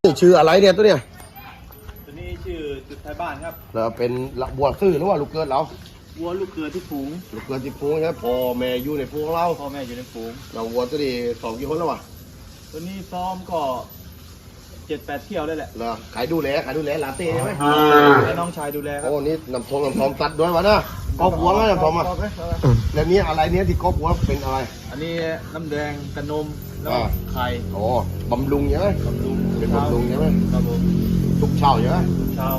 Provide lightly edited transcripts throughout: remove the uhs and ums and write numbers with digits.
นี่ชื่ออะไรเนี่ยตัวเนี่ยตัวนี้ชื่อจุดไทยบ้านครับเราเป็นบัวซื่อหรือว่าลูกเกิดเราวัวลูกเกลือที่ฝูงลูกเกิดที่ฟูงใช่พ่อแม่อยู่ในฟูงเราพ่อแม่อยู่ในฝูงเราวัวตัวนี้สองกี่คนแล้ววะตัวนี้ซ้อมก็7-8 เที่ยวได้แหละเราขายดูแลลาเต้ใช่ไหมให้น้องชายดูแลครับโอ้นี่น้ำทองตัดด้วยวะนะกอบหัวนะน้ำทองมาแล้วนี้อะไรเนี้ยที่กอบหัวเป็นอะไรอันนี้น้ำแดงกระนมแล้วไข่โอ้บำรุงใช่ไหมบำรุงเป็นบำรุงใช่ไหมครับผมทุกเช้าใช่ไหมเช้า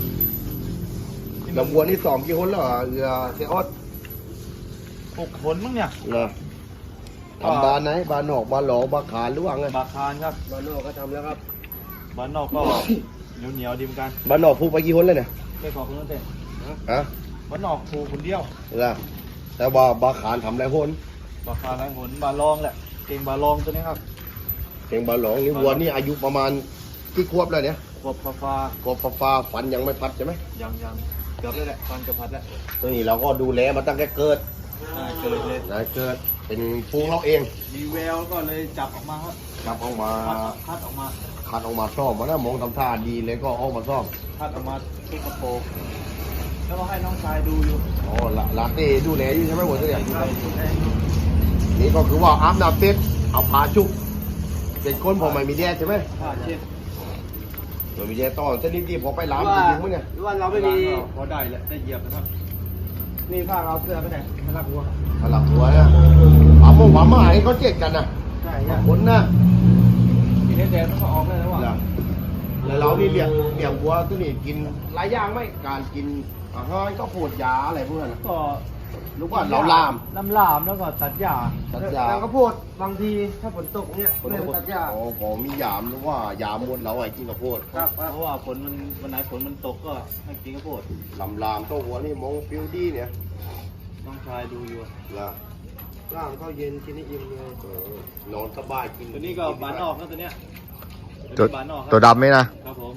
เราวัวนี่สองกี่คนแล้วเรือเสียออด 6 คนมั้งเนี่ยเหรอทำบานไหนบานนอกบานหลอกบานขานหรือว่าไงบาคานครับบานนอกก็ทำแล้วครับบานนอกก็เหนียวดีเหมือนกันบานนอกพูดไปกี่คนเลยเนี่ยไม่ขอคุณตั้งแต่ฮะบานนอกผูคนเดียวเหรอแต่ว่าบานขานทำไรคนบาคานไรผลบาลองแหละเก่งบาลองตัวนี้ครับเก่งบานหลองนี่วัวนี่อายุประมาณกี่ขวบแล้วเนี่ยขวบฟ้าฝันยังไม่พัดใช่ไหมยังเกือบได้แหละฟันจะพัดแล้วตัวนี้เราก็ดูแลมาตั้งแต่เกิดเกิดเลยเกิดเป็นฟูงเราเองมีแววก็เลยจับออกมาครับจับออกมาคัดออกมาซ่อมมาแล้วมองทำท่าดีเลยก็ออกมาซ่อมคัดออกมาที่กระโปรงแล้วก็ให้น้องชายดูอยู่อ๋อลาเต้ดูแลอยู่ใช่ไหมหัวตัวเนี่ยนี่ก็คือว่าอาบน้ำเต็ดเอาผ้าชุบเป็นคนพอไม่มีแดดใช่ไหมผ้าเช็ดไม่มีแดดต่อเส้นนี้พอไปล้างจริงๆมั้ยเนี่ยหรือว่าเราไม่มีพอได้แหละได้เหยียบนะครับนี่ผ้าเราเสื้อไปไหนพลักหัวนะหวามาให้เขาเจ็ดกันนะใช่คนนะที่แดดมันก็ออกได้แล้วว่ะแล้วเรานี่เลี้ยงวัวตัวนี้กินหลายอย่างไหมการกินอาหารก็โผดยาอะไรพวกนั้นก็รู้ว่าเราลามแล้วก็ตัดหญ้าแล้วก็โพดบางทีถ้าฝนตกเนี่ยไม่ตัดหญ้าอ๋อผมมียามหรือว่ายามหมดเราไอ้กินข้าวโพดครับเพราะว่าฝนมันวันไหนฝนมันตกก็ให้กินข้าวโพดลามตัวหัวนี่มองฟิวดี้เนี่ยน้องชายดูอยู่ล่ะร่างก็เย็นกินได้อิ่มเลยนอนสบายกินตัวนี้ก็บานนอกนะตัวเนี้ยตัวดำไหมนะครับผม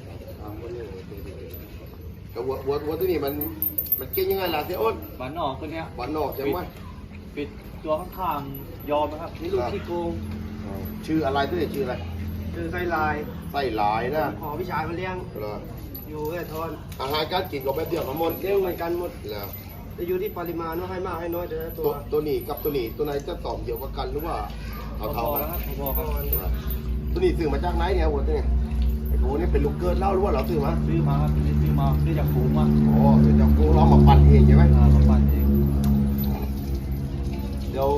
แต่วัวตัวนี้มันเก่งยังไงล่ะเสียอ้นบานนอกตัวเนี้ยบานนอกใช่ไหมปิดตัวข้างๆยอมนะครับนี่ลูกขี้โกงชื่ออะไรตัวนี้ชื่ออะไรชื่อไส้ลายนะขอพี่ชายมาเลี้ยงอยู่แค่ทอนอาหารการกินก็แบบเดียวกันหมดเลี้ยงเหมือนกันหมดแล้วจะอยู่ที่ปริมาณว่าให้มากให้น้อยแต่ละตัวนี้กับตัวนี้ตัวไหนจะตอบเดียวกันหรือว่าเท่ากันตัวนี้ซื้อมาจากไหนเนี่ยวัวตัวนี้ไอ้ตัวนี้เป็นลูกเกิดเล่าหรือว่าเราซื้อมาครับซื้อจากฝูงมาอ๋อซื้อจากฝูงเรามาปั่นเองใช่ไหมมาปั่นเองเดี๋ยว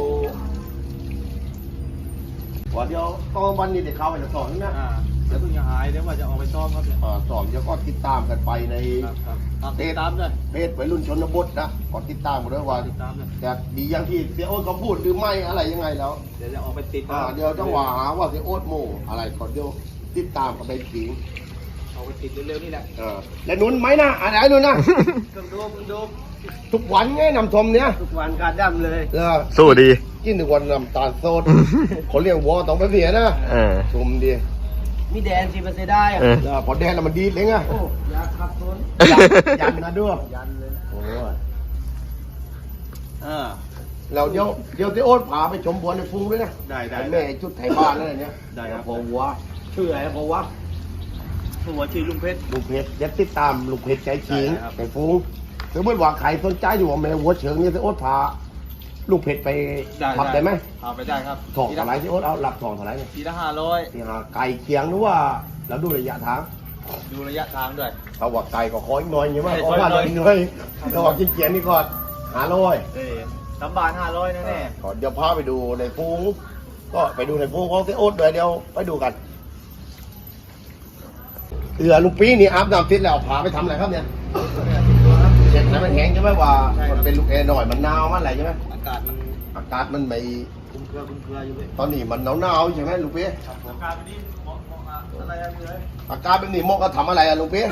ตอนวันนี้เด็กเขาไปจะสอนนะเดี๋ยวเพิ่งจะหายเดี๋ยวว่าจะออกไปซ้อมครับสอนเดี๋ยวก็ติดตามกันไปในติดตามด้วยเพจวัยรุ่นชนบทนะก็ติดตามกันด้วยว่าจะดีอย่างที่เสียโอ๊ตเขาพูดหรือไม่อะไรยังไงแล้วเดี๋ยวจะออกไปติดเดี๋ยวต้องหาว่าเสียโอ๊ตโมอะไรก่อนเดี๋ยวติดตามกันไปถิงเอาไปติดเร็วๆนี่แหละแล้วนุ่นไหมนะอะไรนุ่นนะดูทุกวันไงนำทมเนี่ยทุกวันการดำเลยสู้ดีกินทุกวันน้ำตาลโซดคนเลี้ยงวัวต้องไปเสียนะชมดีมีแดนสิมันเสียได้พอแดนแล้วมันดีเลยไงโอ้ยาขับต้นยันนะด้วยยันเลยโอ้เราเดี๋ยวที่โอ๊ตพาไปชมบัวในฟูด้วยนะได้แม่ชุดไทยบ้านอะไรเนี่ยได้ครับพอวัวชื่ออะไรพอวัวชื่อลุงเพชรเดี๋ยวติดตามลุงเพชรใจจริงไปฟูถ้าเมื่อว่าใครสนใจอยู่ว่าแม่วัวเฉิงเนี่ยที่โอ๊ตพาลูกเพชรไปทำได้ไหมไปได้ครับถอกเท่าไรที่โอ๊ตเอาหลับถอกเท่าไรเนี่ยทีละ500 ไก่เคียงหรือว่าเราดูระยะทางด้วยเขาว่าไก่ก็คอยน้อยอย่างว่าขอว่าน้อยเราว่ากินเคียงนี่ก่อน 3 บาท 500แน่ก่อนเดี๋ยวพาไปดูในฟูงก็ไปดูในฟูงของเซโอ๊ตเลยเดี๋ยวไปดูกันลุงปีนี่อาบน้ำติดแล้วพาไปทำอะไรครับเนี่ยเช็ดน้ำมันแห้งใช่ไหมว่ามันเป็นลูกแอร์หน่อยมันหนาวมันอะไรใช่ไหมอากาศมันไม่คุ้มเครืออยู่เลยตอนนี้มันหนาวใช่ไหมลุงปีอากาศแบบนี้เหมาะอะไรเลยอากาศแบบนี้เหมาะก็ทำอะไรลุงปี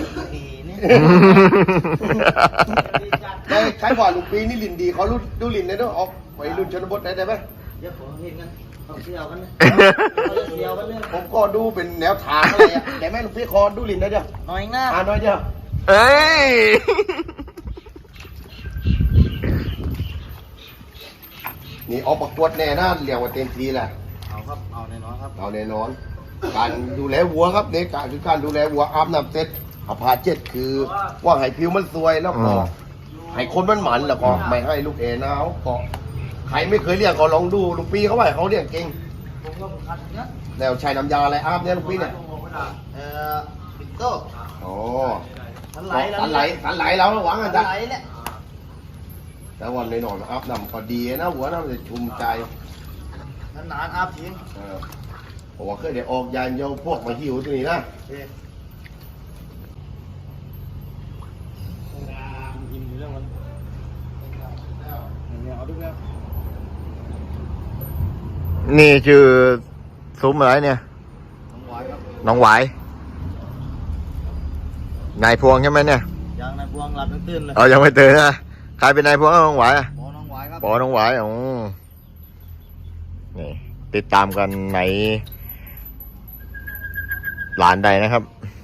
ใครบอกลุงปีนี่ลินดีเขาดูลินได้ด้วยออกไปรุ่นชนบทได้ไหมเดี๋ยวผมเห็นกันต้องเที่ยวกันเลยผมก็ดูเป็นแนวทางอะไรอ่ะแต่แม่ลุงปีคอดูลินได้เดียวน้อยหน้าน้อยเดียวเอ้ยนี่ออกประกวดแน่นะเรียกว่าเต็มทีแหละเอาแน่นอนครับเอาแน่นอนการดูแลวัวครับในการคือการดูแลวัวอาบน้ำเสร็จเอาผ้าเช็ดคือว่าให้ผิวมันสวยแล้วก็ให้คนมันหมันแล้วก็ไม่ให้ลูกเอหนาวก็ใครไม่เคยเลี้ยงก็ลองดูลุงปีเขาว่าเขาเลี้ยงเก่งแล้วใช้น้ำยาอะไรอาบเนี่ยลุงปีเนี่ยปิโต้โอ้สันไหลแล้วหวังกันจ้ะแต่วันในหนอนอาบน้ำก็ดีนะหัวน้ำจะชุ่มใจนานอาบทิ้งผมว่าเคยได้ออกยานโยพวกมาหิวตัวนี้นะอิ่มอยู่เรื่องมันเนี่ยเอาดูแล้วนี่ชื่อซุ้มอะไรเนี่ยน้องหวายครับน้องหวายนายพวงใช่ไหมเนี่ยยังนายพวงหลับยังตื่นเลยยังไม่ตื่นนะใครเป็นนายพวงน้องหวายอะหมอน้องหวายครับปอน้องหวายนี่ติดตามกันในหลานใดนะครับ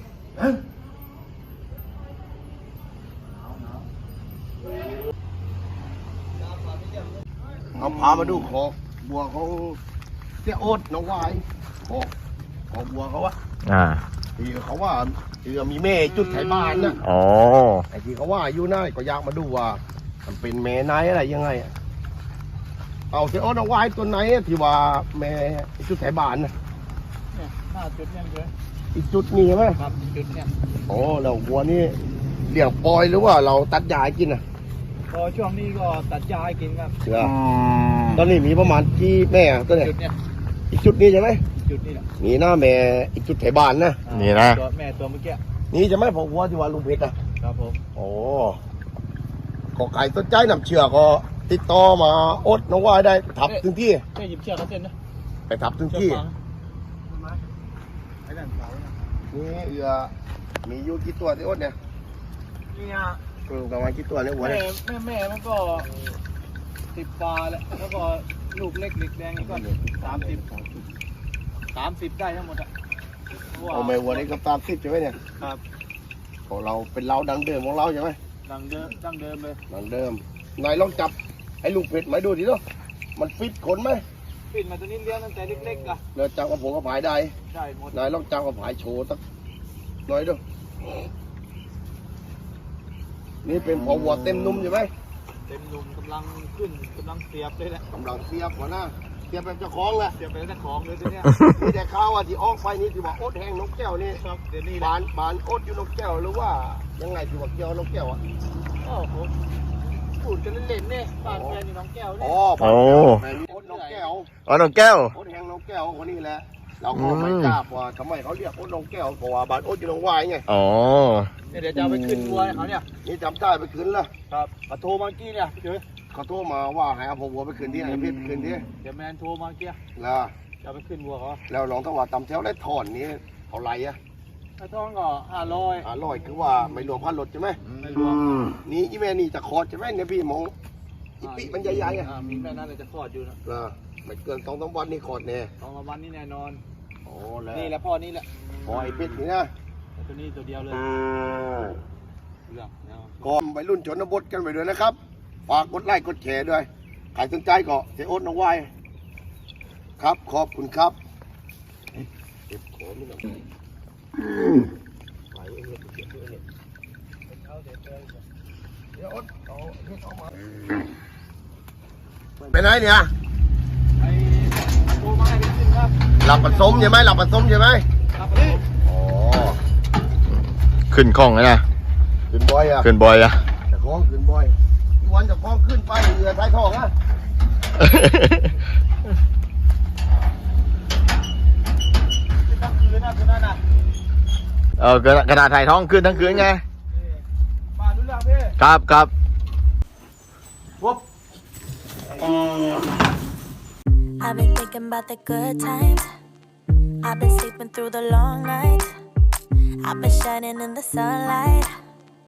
เอาพามาดูขอกบัวของเจ้าโอ๊ตน้องวายขอกบัวเขาอะที่เขาว่าที่มีแม่จุดไถบ้านนะอ๋อไอ้ที่เขาว่าอยู่นั่นก็อยากมาดูว่ามันเป็นแม่นายอะไรยังไงอะเอาเจ้าโอ๊ตน้องวายตัวไหนที่ว่าแม่จุดไถบ้านนะเนี่ยหน้าจุดเนี่ยเลยอีกจุดนี้ใช่ไหมครับจุดเนี่ยโอ้แล้วบัวนี่เลี้ยงปล่อยหรือว่าเราตัดยาให้กินอ่ะพอช่วงนี้ก็ตัดยาให้กินครับเสือตอนนี้มีประมาณที่แม่ตัวเนี่ยจุดเนี่ยอีกจุดนี้ใช่ไหมจุดนี่แหละนี่นะแม่อีกจุดไถบ้านนะนี่นะตัวแม่ตัวเมื่อกี้นี่จะไม่พอวัวที่ว่าลุงเพชรอ่ะครับผมโอ้ก็ไก่ต้นใจนำเชือกก็ติดต่อมาอดน้องวายได้ทับถึงที่แค่หยิบเชือกเขาเส้นนะไปทับถึงที่ไอ้นั่นเสาเนี่ยนี่มีอยู่กี่ตัวที่อดเนี่ยเนี่ยประมาณกี่ตัวเนี่ยวัวแม่เนี่ยแม่มันก็10 ปลาแหละแล้วก็ลูกเล็กเด็กแดงนี่ก็30ได้ทั้งหมดอ่ะเอาไม่วัวนี่ก็30ใช่ไหมเนี่ยครับของเราเป็นเราดังเดิมของเราใช่ไหมดังเดิมเลยดังเดิมนายลองจับไอ้ลูกเพชรไหมดูดิเนาะมันฟิตขนไหมปิดมาตัวนี้เลี้ยงตั้งแต่เล็กๆอ่ะเราจับกับผมกับผายได้ได้หมดนายลองจับกับผายโชว์สักหน่อยดูนี่เป็นพอวัวเต็มนุ่มใช่ไหมเต็มหนุ่มกำลังขึ้นกำลังเสียบเลยแหละกำลังเสียบหัวหน้าเสียบแบบเจ้าของแหละเสียบไปแล้วของเลยตัวเนี้ยมีแต่ข้าวอ่ะที่ออกไปนี่ที่ว่าอดแห้งนกแก้วนี่ครับเดี๋ยวนี้บานอดอยู่นกแก้วหรือว่ายังไงที่ว่าเกี่ยวนกแก้วอ่ะโอ้โหพูดกันเล่นๆเนี่ยบ้านแฟนอยู่น้องแก้วเนี่ยอ๋อโอ้แม่มีอดนกแก้วอ๋อน้องแก้วอดแห้งนกแก้วคนนี้แหละเราก็ไม่ทราบว่าทำไมเขาเรียกอดนกแก้วเพราะว่าบานอดอยู่นกวายไงอ๋อเดี๋ยวจะเอาไปขึ้นวัวให้เขาเนี่ยนี่จำได้ไปคืนละครับเขาโทรมาเมื่อกี้เนี่ยพี่เจ๋ยเขาโทรมาว่าให้เอาวัวไปคืนที่ไหนพี่ไปคืนที่เดี๋ยวแมนโทรมาเมื่อกี้แล้วจะเอาไปขึ้นวัวเขาแล้วลองถ้าว่าตำแถวได้ถอนนี้เอาไรอ่ะถ้าท้องก็500 500คือว่าไม่รวมพันรถใช่ไหมไม่รวมนี่อีแม่นี่จะคอร์ดใช่ไหมเนี่ยพี่มองอีปีมันใหญ่ๆอ่ะมีแม่นั้นเลยจะคลอดอยู่นะไม่เกิน2-3 วันนี่คอร์ดแน่ 2 วันนี้แน่นอนโอ้แล้วนี่แหละพ่อนี่แหละพอไอ้เป็ดนี่นะแต่ตัวนี้ตัวเดียวเลยเรื่องเนาะก็ไปรุ่นชนบทกันไปด้วยนะครับฝากกดไลค์กดแชร์ด้วยใครสนใจก็เสียโอ๊ตน้องวายครับขอบคุณครับเก็บของนี่หน่อยไปเองเก็บด้วยเนี่ยเดี๋ยวโอ๊ตเอามาไปไหนเนี่ยไอ้โทรมาให้ไปขึ้นครับหลับผสมใช่ไหมหลับผสมใช่ไหมครับผมอ๋อขึ้นคล่องเลยนะขึ้นบ่อยอ่ะขึ้นบ่อยอะจะคล้องขึ้นบ่อยอีวันจะคล้องขึ้นไปเรือท้ายทองอ่ะขึ้นทั้งคืนนะคืนนั้นน่ะกระดาษถ่ายท้องขึ้นทั้งคืนไงมาดูเรื่องพี่ครับครับปุ๊บ I've been thinking about the good times. I've been sleeping through the long nights. I've been shining in the sunlight.